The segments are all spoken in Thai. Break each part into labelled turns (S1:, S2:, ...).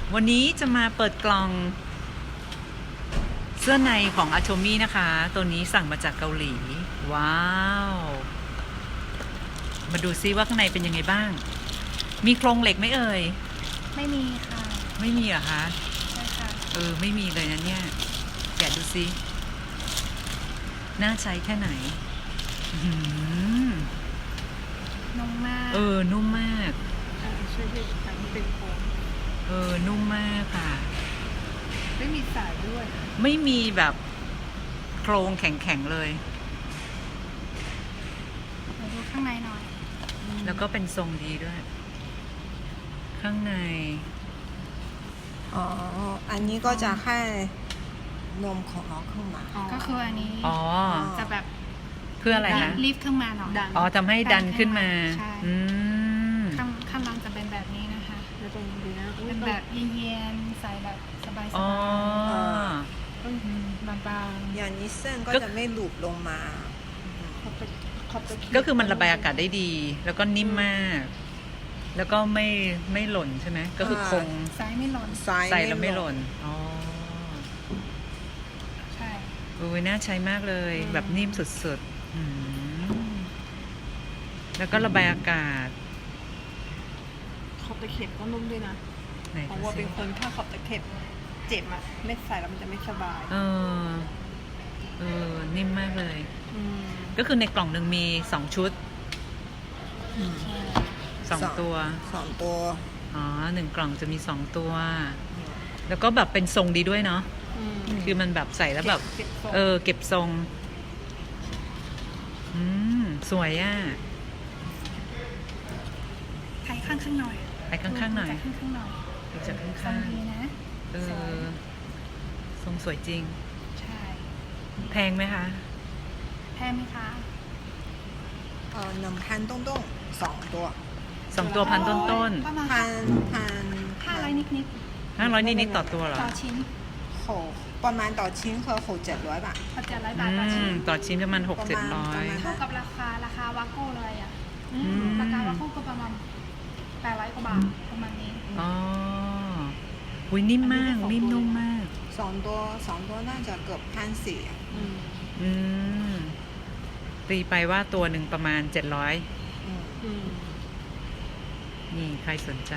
S1: วันนี้จะมาเปิดกล่องเสื้อในของอาโชมี่นะคะ ตัวนี้สั่งมาจากเกาหลี ว้าว มาดูซิว่าข้างในเป็นยังไงบ้าง มีโครงเหล็กไหมเอ่ย
S2: ไม่มีค่ะ
S1: ไม่มีเหรอคะ
S2: ใช่ค่ะ
S1: ไม่มีเลยนะเนี่ย แกะดูซิน่าใช้แค่ไหน
S2: นุ่มมาก
S1: นุ่มมาก
S3: ช่วยให้ทำให้เป็นโค้ง
S1: นุ่มมากค่ะ
S3: ไม่มีสายด้วย
S1: ไม่มีแบบโครงแข็งๆเลย
S2: มาดูข้างในหน่อย
S1: แล้วก็เป็นทรงดีด้วย ข้างใน
S4: อ๋อ อันนี้ก็จะให้นมของน้องขึ้นมา
S2: ก็คืออันนี้
S1: อ๋อ
S2: จะแบบ
S1: เพื่ออะไรนะ
S2: รีบขึ้นมาหน่อย
S3: ดัน
S1: อ๋อทำให้ดันขึ้นมา
S2: ใช่
S1: อืม
S2: ข้างล่างจะเป็นแบบนี้นะคะ
S3: แล้วตรงนี้นะอุ้ย
S2: เป็นแบบเย็นๆใส่แบบสบาย
S1: อ๋อ
S3: ต้องบาง
S4: อย่างนี้เส้นก็จะไม่หลุดลงมา
S3: ๆขอบตะเข็บ
S1: ก็คือมันระบายอากาศได้ดี แล้วก็นิ่มมาก แล้วก็ไม่หล่นใช่ไหม ก็คือคง
S2: ๆใส่ไม่หล่น
S1: ใส่แล้วไม่หล่น อ๋อ
S2: ใช่
S1: น่าใช้มากเลย แบบนิ่มสุดๆแล้วก็ระบายอากาศ
S3: ขอบตะเข็บก็นุ่มด้วยนะ
S1: ไหน
S3: เพราะ
S1: ดู
S3: ว่า
S1: สิ
S3: เป็นคนถ้าขอบตะเข็บเจ็บอ่ะไม่ใส่แล้วมันจะไม่สบาย
S1: นิ่มมากเลย
S3: อืม
S1: ก็คือในกล่องหนึ่งมี2 ชุด 2 ตัว
S4: 2 ตัว
S1: อ๋อ1 กล่องจะมี2 ตัว แล้วก็แบบเป็นทรงดีด้วยเนาะ
S3: อืม
S1: คือมันแบบใส่แล้วแบบ
S3: เก็บทรง
S1: เก็บทรง สวยอ่ะ
S2: ไทยข้างหน่อย
S1: ไปข้างๆหน่อย
S2: ข้างหน่อย
S1: ดูจาก
S2: ทร
S1: ข้าง
S2: ดีนะ
S1: ๆทรงสวยจริง
S2: ใช่
S1: แพงไหมคะ
S2: แพงไหมคะ
S4: 1,000东东2ตัว
S1: 2 ตัวพันต้น
S2: ประมาณ
S4: 1,000
S2: 500นิด
S1: ๆ500นิดๆต่อตัวเหรอ
S2: ต่อชิ้น
S4: ประมาณต่อชิ้นคือ6-700 บาท
S2: พอ700 บาทต่อชิ้น
S1: ต่อชิ้นประมาณ
S4: ประมาณ
S1: 600-700
S2: เท่ากับราคาวาโก้เลยอ่ะ
S1: ม
S2: ราคาวาโก้ก็ประมาณ800 กว่าบาทประมาณนี้
S1: อ๋ออุ้ยนิ่มมาก นิ่มนุ่มมาก
S4: 2 ตัวน่าจะเกือบ1,400
S3: อืม
S1: อืม ตีไปว่าตัวหนึ่งประมาณ 700
S3: อืม
S1: นี่ใครสนใจ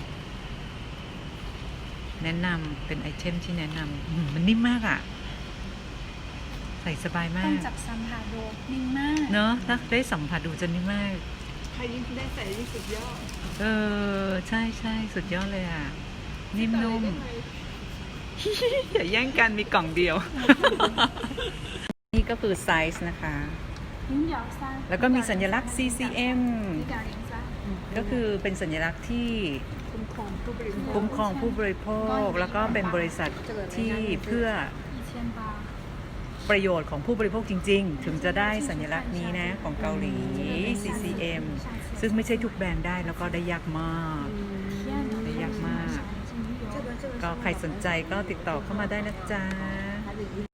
S1: แนะนำเป็นไอเทมที่แนะนำมันนิ่มมากอ่ะ ใส่สบายมา
S2: ต้อง
S1: ก
S2: จับสัมผัสดูนิ่มมาก
S1: เนอะถ้าได้สัมผัสดูจะนิ่มมาก
S3: ใครยิ่งได้ใส่ยิ่งสุดยอด
S1: ใช่ใช่สุดยอดเลยอ่ะ นิ่มนุ่ม
S3: ได้ไห
S1: อย่าแย่งกันมีกล่องเดียว นี่ก็คือไซส์นะคะ
S2: ลิ้นเหยาซ่า
S1: แล้วก็มีสัญลักษณ์ CCM
S2: ลิ้นเหยาลิ้นซ่า
S1: ก็คือเป็นสัญลักษณ์ที่
S3: คุ้มครองผู้บริโภค
S1: คุ้มครองผู้บริโภค แล้วก็เป็นบริษัทที่เพื่อ
S2: 1000 บาท
S1: ประโยชน์ของผู้บริโภคจริงๆ ถึงจะได้สัญลักษณ์นี้นะของเกาหลี CCM ซึ่งไม่ใช่ทุกแบรนด์ได้แล้วก็ได้ยากมาก ได้ยากมาก ก็ใครสนใจก็ติดต่อเข้ามาได้นะจ๊ะ